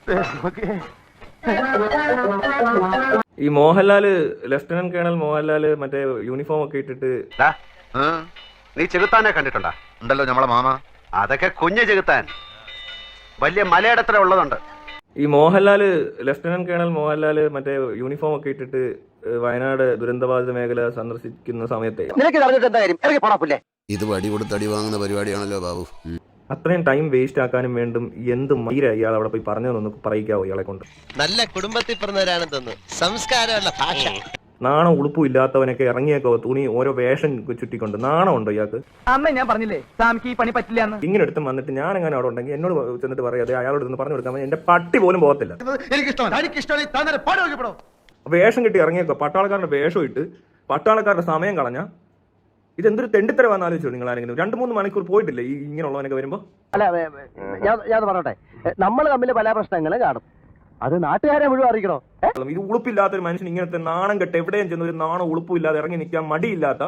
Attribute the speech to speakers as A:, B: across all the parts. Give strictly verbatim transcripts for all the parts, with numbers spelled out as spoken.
A: ഈ Mohanlal lieutenant colonel Mohanlal മറ്റേ uniform ഒക്കെ ഇട്ടിട്ട്
B: നീ ചെകുത്താനെ കണ്ടിട്ടുണ്ടാ?
C: ഉണ്ടല്ലോ നമ്മളെ മാമ.
B: അതൊക്കെ കുഞ്ഞു ചെകുത്താൻ, വലിയ മലയിടത്ര ഉള്ളതുണ്ട്.
A: ഈ മോഹൻലാല് ലഫ്റ്റനന്റ് കേണൽ മോഹൻലാല് മറ്റേ യൂണിഫോം ഒക്കെ ഇട്ടിട്ട് വയനാട് ദുരന്തബാധിത മേഖല സന്ദർശിക്കുന്ന സമയത്തെ
C: ഇത് വടി കൊടുത്ത് അടി വാങ്ങുന്ന പരിപാടിയാണല്ലോ ബാബു.
A: അത്രയും ടൈം വേസ്റ്റ് ആക്കാനും വേണ്ടും എന്ത് മൈര ഇയാൾ അവിടെ പോയി പറഞ്ഞതെന്നൊന്ന് പറയിക്കാവോ ഇയാളെ കൊണ്ട്?
D: നല്ല കുടുംബത്തിൽ പറഞ്ഞവരാണെന്ന് തോന്നുന്നു. സംസ്കാരമുള്ള ഭാഷ.
A: നാണം ഉളുപ്പും ഇല്ലാത്തവനൊക്കെ ഇറങ്ങിയേക്കോ തുണി ഓരോ വേഷം ചുറ്റിക്കൊണ്ട് നാണം ഉണ്ടോ ഇയാൾക്ക്?
E: അമ്മ ഞാൻ പറഞ്ഞില്ലേ സാമിക്ക് ഈ പണി പറ്റില്ല.
A: ഇങ്ങനെ എടുത്ത് വന്നിട്ട് ഞാൻ എങ്ങനെ അവിടെ ഉണ്ടെങ്കിൽ എന്നോട് ചെന്നിട്ട് പറയാതെ അയാളോട് ഒന്ന് പറഞ്ഞു കൊടുക്കാൻ എന്റെ പട്ടി പോലും പോകത്തില്ല. വേഷം കിട്ടി ഇറങ്ങിയേക്കോ, പട്ടാളക്കാരുടെ വേഷം ഇട്ട് പട്ടാളക്കാരുടെ സമയം കളഞ്ഞ ഇതെന്തൊരു തെണ്ടിത്തരവാന്ന് ആലോചിച്ചോ നിങ്ങൾ ആരെങ്കിലും? രണ്ടു മൂന്ന് മണിക്കൂർ പോയിട്ടില്ലേ ഈ ഇങ്ങനെയുള്ളവനൊക്കെ വരുമ്പോ?
E: അല്ല ഞാൻ പറയട്ടെ, നമ്മൾ തമ്മിൽ പല പ്രശ്നങ്ങളും കാണും, അത് നാട്ടുകാരെ മുഴുവൻ അറിയിക്കണോ?
A: ഇത് ഉളുപ്പില്ലാത്തൊരു മനുഷ്യൻ ഇങ്ങനത്തെ നാണം കെട്ട് എവിടെയും ചെന്ന ഒരു നാണം ഉളുപ്പില്ലാതെ ഇറങ്ങി നിൽക്കാൻ മടിയില്ലാത്ത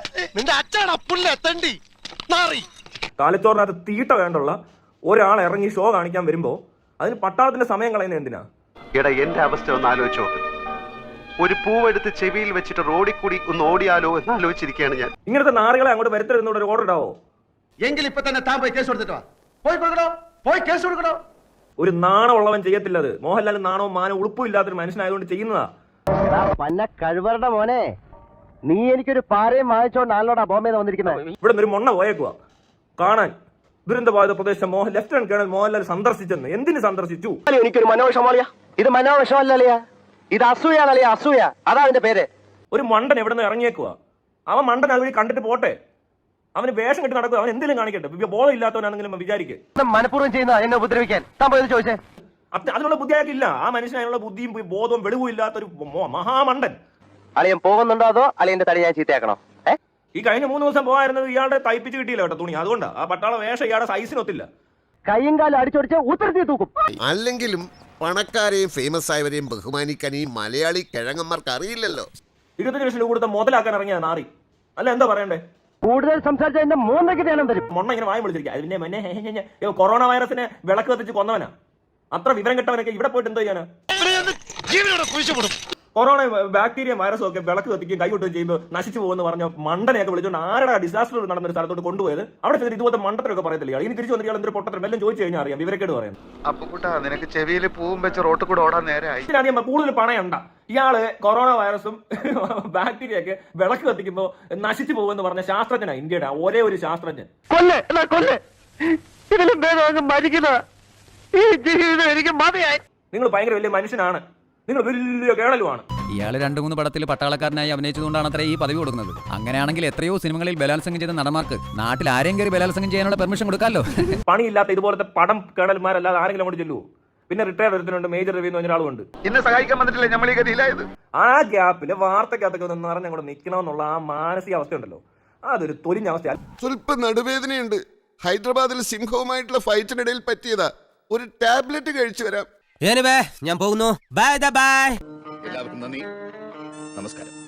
A: തലച്ചോറിനകത്ത് തീട്ട വേണ്ടുള്ള ഒരാൾ ഇറങ്ങി ഷോ കാണിക്കാൻ വരുമ്പോ അതിന് പട്ടാളത്തിന്റെ സമയം കളയുന്നത് എന്തിനാ?
B: എടാ എന്റെ അവസ്ഥ ഒന്ന് ആലോചിച്ച് നോക്ക്. ഒരു പൂവെടുത്ത് ചെവിയിൽ വെച്ചിട്ട് റോഡിൽ കൂടി ഒന്ന് ഓടിയാലോ എന്ന് ആലോചിച്ചിരിക്കുകയാണ് ഞാൻ.
A: ഇങ്ങനത്തെ നാറുകളെ അങ്ങോട്ട് വരുത്തരുന്നോട് ഒരു ഓർഡർ ഇടാവോ?
F: എങ്കിൽ ഇപ്പൊ തന്നെ താൻ പോയി കേസ് കൊടുത്തിട്ടോ, പോയി കൊടുക്കണോ, പോയി കേസ് കൊടുക്കണോ.
A: ഒരു നാണമുള്ളവൻ ചെയ്യത്തില്ല അത്. മോഹൻലാൽ നാണവും മാനവും ഉളുപ്പും ഇല്ലാത്തൊരു മനുഷ്യനായതുകൊണ്ട് ചെയ്യുന്നതാ.
E: പന്ന കഴിവറുടെ മോനെ, നീ എനിക്കൊരു പാരയും വാങ്ങിച്ചോണ്ടാണല്ലോടാ ബോംബെന്ന് വന്നിരിക്കുന്നത്.
A: ഇവിടെ നിന്ന് ഒരു മൊണ്ണ പോയേക്കുവാ കാണാൻ ദുരന്തബാധിത പ്രദേശം മോഹൻ ലഫ്റ്റനന്റ് കേണൽ മോഹൻലാൽ സന്ദർശിച്ചെന്ന്. എന്തിന് സന്ദർശിച്ചു?
E: എനിക്കൊരു മനോവിഷമോളിയാ. ഇത് മനോവിഷമല്ലല്ലയാ, ഇത് അസൂയാണല്ലയാ, അസൂയ. അതാ അതിന്റെ പേര്.
A: ഒരു മണ്ടൻ എവിടെ നിന്ന് ഇറങ്ങിയേക്കുവാ. അവൻ മണ്ടൻ അതുവഴി കണ്ടിട്ട് പോട്ടെ, അവന് വേഷം കെട്ടി നടക്കുക, അവൻ എന്തെങ്കിലും കാണിക്കട്ടെ. ബോധം ഇല്ലാത്തവനാണെങ്കിലും വിചാരിക്കും
E: മനഃപൂർവ്വം ചെയ്യുന്ന എന്നെ ഉപദ്രവിക്കാൻ. താൻ പോയത് ചോദിച്ചേ.
A: അതിനുള്ള ബുദ്ധി അയാൾക്കില്ല. ആ മനുഷ്യൻ അതിനുള്ള ബുദ്ധിയും ബോധവും വെളിവും ഇല്ലാത്തൊരു മഹാമണ്ടൻ.
E: അളിയൻ പോകുന്നുണ്ടോ അതോ അളിയന്റെ തടി ഞാൻ ചീത്തയാക്കണോ?
A: ഈ കഴിഞ്ഞ മൂന്ന് ദിവസം പോകാറുന്നത് ഇയാളുടെ തയ്പ്പിച്ച് കിട്ടിയില്ല കേട്ടോ തുണി. അതുകൊണ്ടാ ആ പട്ടാള വേഷം ഇയാളുടെ സൈസിനൊത്തില്ല.
E: കയ്യും കാലം അടിച്ചൊടിച്ച് ഉത്തരത്തി തൂക്കും.
C: അല്ലെങ്കിലും പണക്കാരെയും ഫേമസ് ആയവരെയും ബഹുമാനിക്കാൻ ഈ മലയാളി കിഴങ്ങന്മാർക്ക് അറിയില്ലല്ലോ.
A: ഇരുപത്തഞ്ച് ലക്ഷം രൂപ കൊടുത്ത മുതലാക്കാൻ ഇറങ്ങിയ നാറി. അല്ല എന്താ പറയണ്ടേ?
E: കൂടുതൽ സംസാരിച്ച എന്റെ മൂന്നൊക്കെ ധ്യാനം തരും.
A: മൊണ്ണ ഇങ്ങനെ വായി വിളിച്ചിരിക്കുക. അതിന്റെ മുന്നേ കൊറോണ വൈറസിനെ വിളക്ക് കത്തിച്ച് കൊന്നവനാ. അത്ര വിവരം കെട്ടവനൊക്കെ ഇവിടെ പോയിട്ട് എന്തോ ചെയ്യാനാ? കൊറോണ ബാക്ടീരിയ വൈറസും ഒക്കെ വിളക്ക് കത്തിക്കുകയും കൈവിട്ടുകയും ചെയ്യുമ്പോൾ നശിച്ചു പോകുമെന്ന് പറഞ്ഞ മണ്ടനെയൊക്കെ വിളിച്ചുകൊണ്ട് ആരുടെ ഡിസാസ്റ്റർ നടന്ന ഒരു സ്ഥലത്തോട്ട് കൊണ്ടുപോയത് അവിടെ ചെന്നിട്ട് ഇതുപോലത്തെ മണ്ടത്തിലൊക്കെ പറയത്തില്ല. ഇനി തിരിച്ചു വന്നിട്ട് എന്തൊരു പൊട്ടത്തരം എല്ലാം ചോദിച്ചു കഴിഞ്ഞാൽ അറിയാം വിവരക്കേട് പറയാം.
F: അപ്പുകുട്ടാ നിനക്ക് ചെവിയിൽ പൂവും വെച്ച് റോട്ടിൽ കൂടെ ഓടാൻ നേരമായി.
A: ഇതിനധികം കൂടുതൽ പണയുണ്ട. ഇയാള് കൊറോണ വൈറസും ബാക്ടീരിയ ഒക്കെ വിളക്ക് കത്തിക്കുമ്പോൾ നശിച്ചു പോകുമെന്ന് പറഞ്ഞ ശാസ്ത്രജ്ഞനാ ഇന്ത്യയുടെ ഒരേ ഒരു ശാസ്ത്രജ്ഞൻ. നിങ്ങൾ ഭയങ്കര വലിയ മനുഷ്യനാണ്, നിങ്ങൾ വലിയ കേണലുമാണ്.
G: ഇയാള് രണ്ടു മൂന്ന് പടത്തിൽ പട്ടാളക്കാരനായി അഭിനയിച്ചതുകൊണ്ടാണ് അത്ര ഈ പദവി കൊടുക്കുന്നത്. അങ്ങനെയാണെങ്കിൽ എത്രയോ സിനിമകളിൽ ബലാത്സംഗം ചെയ്ത നടന്മാർക്ക് നാട്ടിൽ ആരെയും കയറി ബലാത്സംഗം ചെയ്യാനുള്ള പെർമിഷൻ കൊടുക്കാമല്ലോ.
A: പണിയില്ലാത്ത ഇതുപോലത്തെ പടം കേണൽമാരല്ലാതെ ആരെങ്കിലും അങ്ങോട്ട് ചെല്ലുവോ? പിന്നെ റിട്ടയർ ഒരുത്തനുണ്ട്, മേജർ രവി എന്ന് പറഞ്ഞൊരാളുണ്ട്.
F: ഇന്ന് സഹായിക്കാൻ വന്നിട്ടില്ല നമ്മൾ ഈ ഗതിയിലായത്.
A: ആ ഗ്യാപ്പില് വാർത്തക്കകത്തൊക്കെ ഒന്ന് നിറഞ്ഞ അങ്ങോട്ട് നിൽക്കണമെന്നുള്ള ആ മാനസിക അവസ്ഥ ഉണ്ടല്ലോ, അതൊരു തൊലിഞ്ഞ അവസ്ഥ.
C: സ്വല്പം നടുവേദനയുണ്ട്. ഹൈദരാബാദിൽ സിംഹവുമായിട്ടുള്ള ഫൈറ്റിനിടയിൽ പറ്റിയതാ. ഒരു ടാബ്ലറ്റ് കഴിച്ചു വരാം.
D: ഞാൻ പോകുന്നു. Bye bye.
C: എല്ലാവർക്കും നന്ദി, നമസ്കാരം.